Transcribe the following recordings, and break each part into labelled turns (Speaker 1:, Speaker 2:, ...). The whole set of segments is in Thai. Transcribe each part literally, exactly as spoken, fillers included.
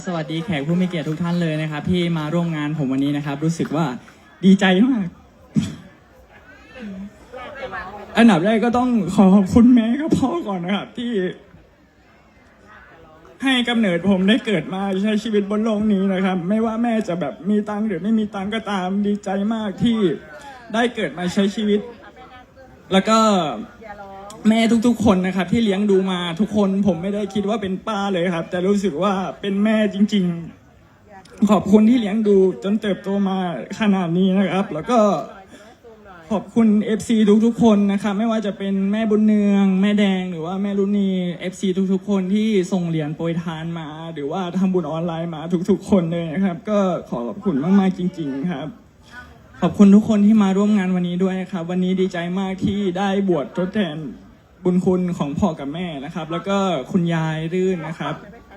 Speaker 1: สวัสดีแขกผู้มีเกียรติทุกท่านเลยนะครับที่มาร่วมงานผมวันนี้นะครับรู้สึกว่าดีใจมากอันดับแรกก็ต้องขอขอบคุณแม่กับพ่อก่อนนะครับที่ให้กำเนิดผมได้เกิดมาใช้ชีวิตบนโลกนี้นะครับไม่ว่าแม่จะแบบมีตังค์หรือไม่มีตังค์ก็ตามดีใจมากที่ได้เกิดมาใช้ชีวิตแล้วก็แม่ทุกๆคนนะครับที่เลี้ยงดูมาทุกคนผมไม่ได้คิดว่าเป็นป้าเลยครับแต่รู้สึกว่าเป็นแม่จริงๆขอบคุณที่เลี้ยงดูจนเติบโตมาขนาดนี้นะครับแล้วก็ขอบคุณ เอฟ ซี ทุกๆคนนะครับไม่ว่าจะเป็นแม่บุญเนืองแม่แดงหรือว่าแม่รุณี เอฟ ซี ทุกๆคนที่ส่งเหรียญโปรยทานมาหรือว่าทำบุญออนไลน์มาทุกๆคนเลยนะครับก็ขอขอบคุณมากๆจริงๆครับขอบคุณทุกคนที่มาร่วมงานวันนี้ด้วยครับวันนี้ดีใจมากที่ได้บวชทดแทนบุญคุณของพ่อกับแม่นะครับแล้วก็คุณยายรื่นนะครับ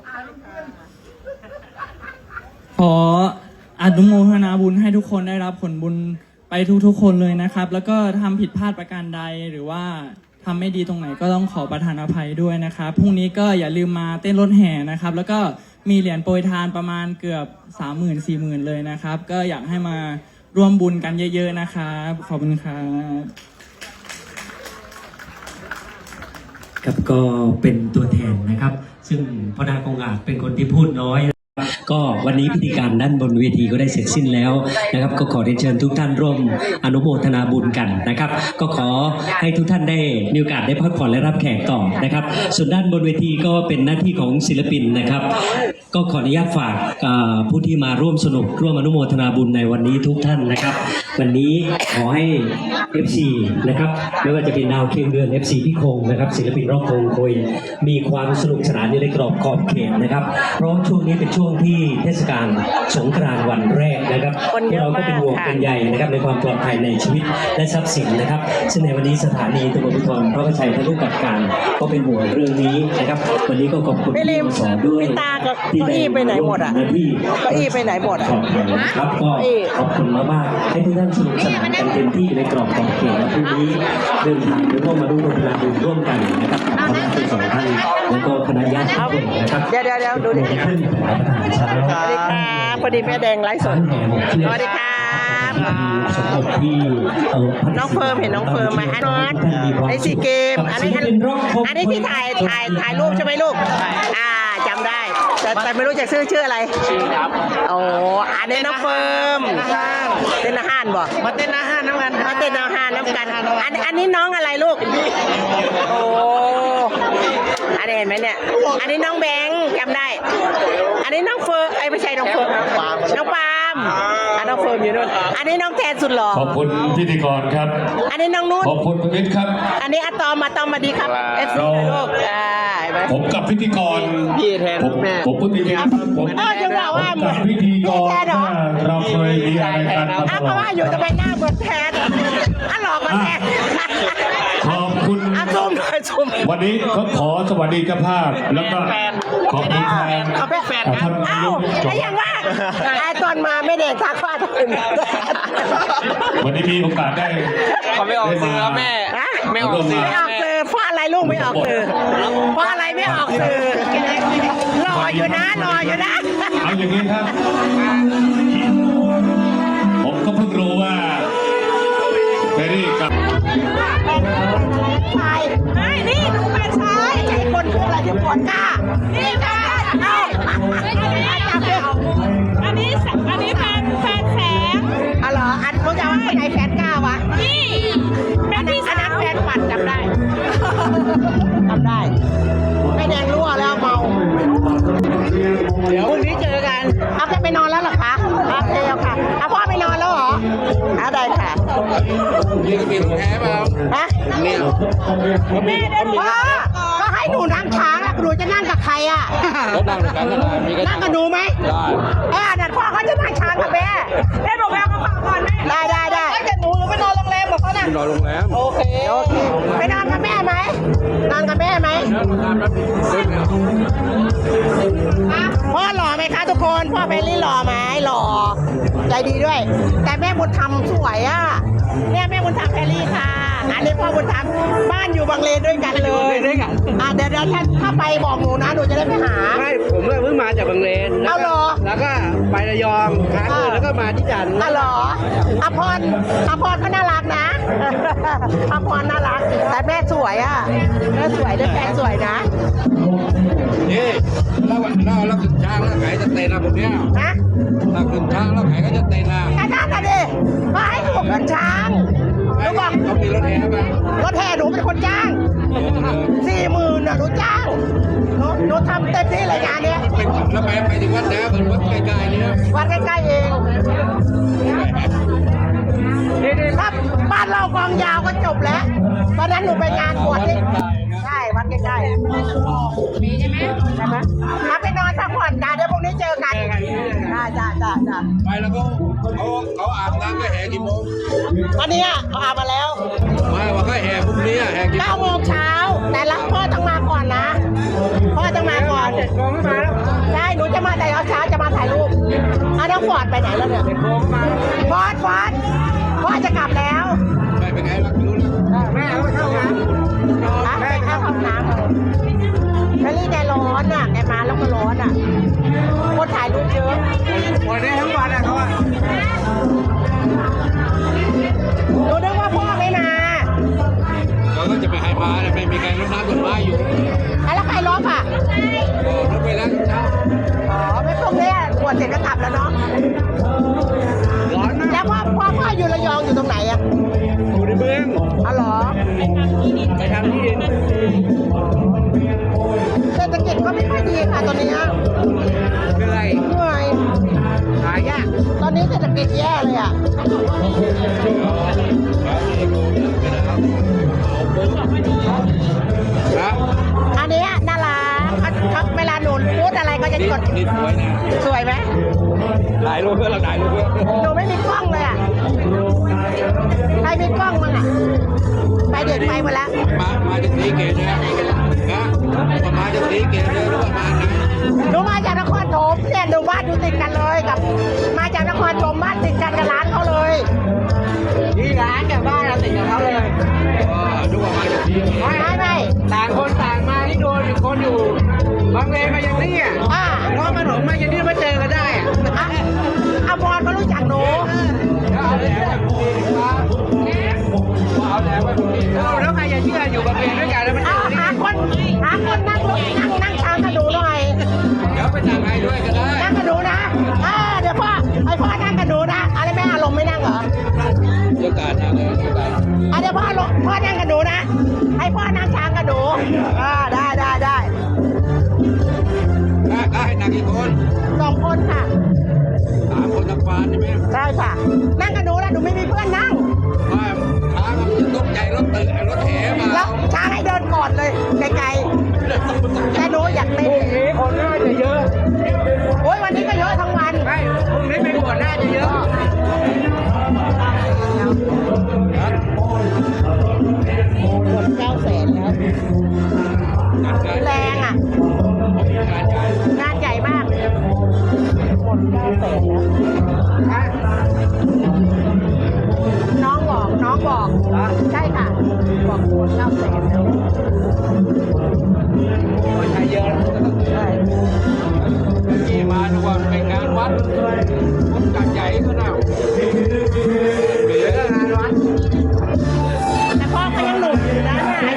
Speaker 1: ขออนุโมทนาบุญให้ทุกคนได้รับผลบุญไปทุกๆคนเลยนะครับแล้วก็ทำผิดพลาดประการใดหรือว่าทำไม่ดีตรงไหนก็ต้องขอประทานอภัยด้วยนะครับพรุ่งนี้ก็อย่าลืมมาเต้นรถแห่นะครับแล้วก็มีเหรียญโปรยทานประมาณเกือบสามหมื่นสี่หมื่นเลยนะครับก็อยากให้มาร่วมบุญกันเยอะๆนะครับขอบคุณครับ
Speaker 2: ครับก็เป็นตัวแทนนะครับซึ่งพ่อนาคงอาจเป็นคนที่พูดน้อยก็วันนี้พิธีการด้านบนเวทีก็ได้เสร็จสิ้นแล้วนะครับก็ขอเรียนเชิญทุกท่านร่วมอนุโมทนาบุญกันนะครับก็ขอให้ทุกท่านได้มีโอกาสได้พักผ่อนและรับแขกต่อนะครับส่วนด้านบนเวทีก็เป็นหน้าที่ของศิลปินนะครับก็ขออนุญาตฝากผู้ที่มาร่วมสนุกร่วมอนุโมทนาบุญในวันนี้ทุกท่านนะครับวันนี้ขอให้ เอฟ ซี นะครับไม่ว่าจะเป็นดาวเคียงเดือน เอฟ ซี พี่คงนะครับศิลปินร็อกคงโคยมีความสนุกสนานอยู่ในกรอบขอบเขตนะครับเพราะช่วงนี้เป็นช่วงที่เทศกาลสงกรานต์วันแรกนะครับเราก็เป็นห่วงเป็นใยนะครับในความปลอดภัยในชีวิตและทรัพย์สินนะครับซึ่งในวันนี้สถานีตำรวจภูธรพระประชัยท่านผู้กำกับการก็เป็นห่วงเรื่องนี้นะครับวันนี้ก็ขอบคุณที่มาสอนด้วย
Speaker 3: ตาเก้าอี้ไปไหนหมดอ่ะเก้าอี้ไปไหนหมดอ่ะ
Speaker 2: ครับก็ขอบคุณมากๆให้ทุกท่านสนุกสนานกันเต็มที่ในกรอบขอบเขตและพรุ่งนี้เดินทางร่วมมาดูโรงงานร่วมกันนะครับขอบคุณทั้งสองท่านแล้วก็คณะญาติทุกคนนะครับ
Speaker 3: เดี๋ยวเดี๋ยวเดี๋ยวดูดิ
Speaker 2: ขึ้นรับประทานเช้า
Speaker 3: สวัสดีครับพอดีแม่แดงไลฟ์สดสวัสดีครับ
Speaker 2: สมบที่
Speaker 3: น้องเฟิร์มเห็นน้องเฟิร์มไหมอันนั้นไอซีเกมอันนี้อันนี้ที่ถ่ายถ่ายถ่ายรูปใช่ไหมลูกอ่าจำได้แต่แต่ไม่รู้จะชื่อชื่ออะไรชื่อครับโอ้อันนี้น้องเฟิร์มเต้นอาหารบ่มาเต้นอาหารน้ำกันมาเต้นอาหารน้ำกันอันอันนี้น้องอะไรลูกโอ้อันนี้เห็นไหมเนี่ยอันนี้น้องแบงค์จำได้อันนี้น้องเฟิร์มไอ้ไม่ใช่น้องเฟิร์มน้องปาล์มอันน้องเฟิร์มอยู่นู่นอันนี้น้องแทนสุดหล่อ
Speaker 4: ขอบคุณพิธีกรครับ
Speaker 3: อันนี้น้องนุ่น
Speaker 4: ขอบคุณประวิตรครับ
Speaker 3: อันนี้อะตอมอะตอมมาดีครับเอฟซีลูก
Speaker 4: ผมกับพิธีกร
Speaker 3: พี่แทนแม่
Speaker 4: ผมพิธีกรผม
Speaker 3: จะว่าว่า
Speaker 4: กับพิธีกรเราเคยมีอะไรกันมาตลอด
Speaker 3: เพราะว่าอยู่ทำไมหน้าเหมือนแทนอ่ะหลอกมาแทน
Speaker 4: ขอบคุณวันนี้เขาขอสวัสดีเจ้าภาพแล้วก็ขอบคุณแทน
Speaker 3: เขาเป็นแฟนกันเอ้าไอ้ยังว่าไอ้ตอนมาไม่เด็กทักว่าถึง
Speaker 4: วันนี้มีโอกาสได้
Speaker 5: เขาไม่ออกสื่อแม่ไม่ออกสื่อ
Speaker 3: ไม่ออกสื่อเพราะอะไรลูกไม่ออกสื่อเพราะอะไรไม่ออกสื่อรออยู่นะรออยู่นะ
Speaker 4: เอาอย่างนี้ครับผมก็เพิ่งรู้ว่าเบอรี่กับ
Speaker 3: ชายไม่นี่ดูแฟนชายไอ้คนคืออะไรที่ปวดก้านี่แฟนเอา
Speaker 6: อันนี้อันนี้แฟนแฟนแสง
Speaker 3: อ๋อเหรออันเขาจะว่าไอ้แฟนก้าวะ
Speaker 6: นี่
Speaker 3: อันนี้อันนั้นแฟนปัดจำได้จำได้ไม่แดงรั่วแล้วเมาเดี๋ยวพรุ่งนี้เจอกันเอาแค่ไปนอนแล้วหรอคะโอเคเอาค่ะเอาพ่อไปนอนแล้วเหรอเอาได้ค่ะ
Speaker 5: นี่ก็มีของแท้เปล่า
Speaker 3: ฮะนี่แม่ได้พ่อก็ให้หนูนั่งช้างหนูจะนั่งกับใครอ่ะ
Speaker 5: แล้วนั่งด้วยกันได้มีกัน
Speaker 3: นั่งกับหนูไหมได้เออเดี๋ยวพ่อเขาจะนั่งช้างกับแม่แม่บอกแม่ก็ฟังก่อนแม่ได้ได้ได้ถ้าเกิดหนูหนูไปนอนโรงแรมบอกเขานะ
Speaker 5: นอนโรงแรม
Speaker 3: โอเคโอเคไปนอนกับแม่ไหมนอนกับแม่ไหมพ่อหล่อไหมคะทุกคนพ่อเบลลี่หล่อไหมหล่อใจดีด้วยแต่แม่บุญธรรมสวยอ่ะเนี่ยแม่บุญธรรมแพรรี่ค่ะอันนี้พ่อบุญธรรมบ้านอยู่บางเลนด้วยกันเลยด้วยกันอ่ะเดี๋ยวเดี๋ยวถ้าถ้าไปบอกหนูนะหนูจะได้ไปหา
Speaker 5: ไม่ผมก็เพิ่งมาจากบางเลน
Speaker 3: เอาเหรอ
Speaker 5: แล้วก็ไประยองค้างคืนแล้วก็มาที่จันทร์
Speaker 3: อ๋อเหรออภรอภรก็น่ารักนะ อภรน่ารัก แต่แม่สวยอ่ะแม่สวยด้วยแฟนสวยนะ
Speaker 5: นี่เราเราเราขึ้นช้างแล้วไก่จะเตะนะผมเนี่ย
Speaker 3: นะ
Speaker 5: เราขึ้นช้างแล้วไก่ก็จะเตะนะ
Speaker 3: ไอ้นั่นน่ะดิมาให้หนูขึ้นช้างหนูบอก
Speaker 5: เขามีรถแห่ไหม
Speaker 3: รถแห่หนูเป็นคนจ้างสี่หมื่นน่ะหนูจ้างหนูหนูทำเต็มที่เลยงานเนี้ย
Speaker 5: เป็นแล้วไปไปถึงวัดแล้วเป็นวัดใกล้ๆนี่นะ
Speaker 3: วัดใกล้ๆเองถ้าบ้านเรากองยาวก็จบแล้วตอนนั้นหนูไปงานบวชที่ใช่วัดใกล้ๆมีใช่ไหมใช่ไหมมาไปนอนพักผ่อนกันเดี๋ยวพรุ่งนี้เจอกันจ้าจ้าจ้าจ้า
Speaker 5: ไปแล้วก็เขาเขาอาบน้ำก็แห่กี่โมง
Speaker 3: ตอนนี้เขาอาบมาแล้ว
Speaker 5: ไม่ว่าก็แห่พรุ่งนี้แห่กี่โม
Speaker 3: เก้าง โมงเช้าแต่ละพ่อต้องมาก่อนนะพ่อต้องมาก่อน
Speaker 5: เจ็ดโมงก็มาแล้ว
Speaker 3: ใช่หนูจะมาแต่เช้าจะมาถ่ายรูปอ่ะน้องฟอร์ดไปไหนแล้วเนี่ย
Speaker 5: เจ็ดโมงก็มาแล้ว
Speaker 3: ฟอร์ดฟอร์ดพ่อจะกลับแล้ว
Speaker 5: ไปเป็นไงล่ะรู้แล้วแม่เขาไปเข้าน้ำ
Speaker 3: อ่ะไปเข้าห้องน้ำไปรีแกร้อนอ่ะแกมาแล้วก็ร้อนอ่ะคนถ่ายรูปเยอะ
Speaker 5: วันนี้ทั้งวันอะเขาอะ
Speaker 3: หนูนึกว่าพ่อไม่มา
Speaker 5: เขาก็จะไปให้มาแต่ไม่มีใครรดน้ำต้นไม้อยู่
Speaker 3: อ่ะแล้วใครลบอ่ะ
Speaker 5: โอ้รถไปแล้วเช้า
Speaker 3: อ๋อไม่พวกนี้บวชเสร็จก็กลับแล้วเนาะ
Speaker 5: ร้อนมาก
Speaker 3: แล้วพ่อพ่อพ่ออยู่ระยองอยู่ตรงไหนอ่ะ
Speaker 5: อยู่ในเมือง
Speaker 3: อ๋อเหรอ
Speaker 5: ไปทำที่ดิน
Speaker 3: เศรษฐกิจก็ไม่ค่อยดีค่ะตอนนี้
Speaker 5: เหนื่อย
Speaker 3: เหนื่อย
Speaker 5: หายาก
Speaker 3: ตอนนี้เศรษฐกิจแย่เลยอ่ะ
Speaker 5: นะ
Speaker 3: อันเนี้ยน่ารักเขาเขาเวลาหนูพูดอะไรก็จะ
Speaker 5: นี่
Speaker 3: กด
Speaker 5: นี่สวยนะ
Speaker 3: สวยไหม
Speaker 5: ถ่ายรูปเพื่อนเราถ่ายรูปเพื่อน
Speaker 3: หนูไม่มีกล้องเลยอ่ะใครมีกล้องมั้งอ่ะไปเด็กไปหมดแล้ว
Speaker 5: มามาจากสีเกตนะนะมาจากสีเกตเลยรู้ประมาณไหน
Speaker 3: หนูมาจากนครปฐมเนี่ยหนูบ้านอยู่ติดกันเลยกับ มาจากนครปฐมบ้านติดกันกับร้านเขาเลย
Speaker 5: นี่ร้านกับบ้านเราติดกับเขาเลยอ๋อรู้ว่ามาจากสีเกต
Speaker 3: ไม่ไม่ไม่
Speaker 5: ต่างคนต่างมาที่โดนอีกคนอยู่บางเลนมาอย่างนี้อ่ะ
Speaker 3: อ่า
Speaker 5: เพราะมันหลงมาอย่างนี้มาเจอกันได้อ่ะ
Speaker 3: อ่ะอาบอลเขารู้จักหนู
Speaker 5: เอาแหลมแบบนี้ครับเอาแหลมแบบนี้แล้วใครจะเชื่ออยู่บางเลนด้วยกันแล้วมันเจ
Speaker 3: เอา
Speaker 5: อนี่
Speaker 3: หาคนหาคนนั่งรถนั่งนั่งช้างกับหนูหน่อย
Speaker 5: เดี๋ยวไปสั่งให้ด้วยก็ได้
Speaker 3: นั่งกับหนูนะอ่าเดี๋ยวพ่อไอพ่อนั่งกับหนูนะอะไรแม่อารมณ์ไม่นั่งเหรอ
Speaker 5: เดี๋ยวการนะเลยเดี๋ยวการ
Speaker 3: อ่ะเดี๋ยวพ่อลงพ่อนั่งกับหนูนะ ให้พ่อนั่งช้างกับหนูอ่าได้ได้ได้
Speaker 5: ได้ได้หนักกี่คน
Speaker 3: สองคนค่ะ
Speaker 5: สามคนทั้งฟานใช่ไหม
Speaker 3: ใช่ค่ะ นั่งกับหนูนะหนูไม่มีเพื่อนนั่ง
Speaker 5: ว่าช้างมันจะตกใจรถตื่นรถแห่มา
Speaker 3: แล้วช้างให้เดินก่อนเลยไกลๆแต่หนูอยาก
Speaker 5: พ
Speaker 3: เต้น
Speaker 5: รุ่งนี้คนน่าจะเยอะ
Speaker 3: โอ้ยวันนี้ก็เยอะทั้งวัน
Speaker 5: ไม่พรุ่งนี้ไปบวชน่าจะเยอะ
Speaker 3: หมดเก้าแสนแล้ว
Speaker 5: งานการ
Speaker 3: แรงอ่ะ
Speaker 5: งานการ
Speaker 3: งานใหญ่มากหมดเก้าแสนแล้ว น้องบอกน้องบอกใช่ค่ะ บอกหมดเก้าแสนแล้ว
Speaker 5: คนไทยเยอะ
Speaker 3: ใช่
Speaker 5: ที่มาดูว่าเป็นงานวัด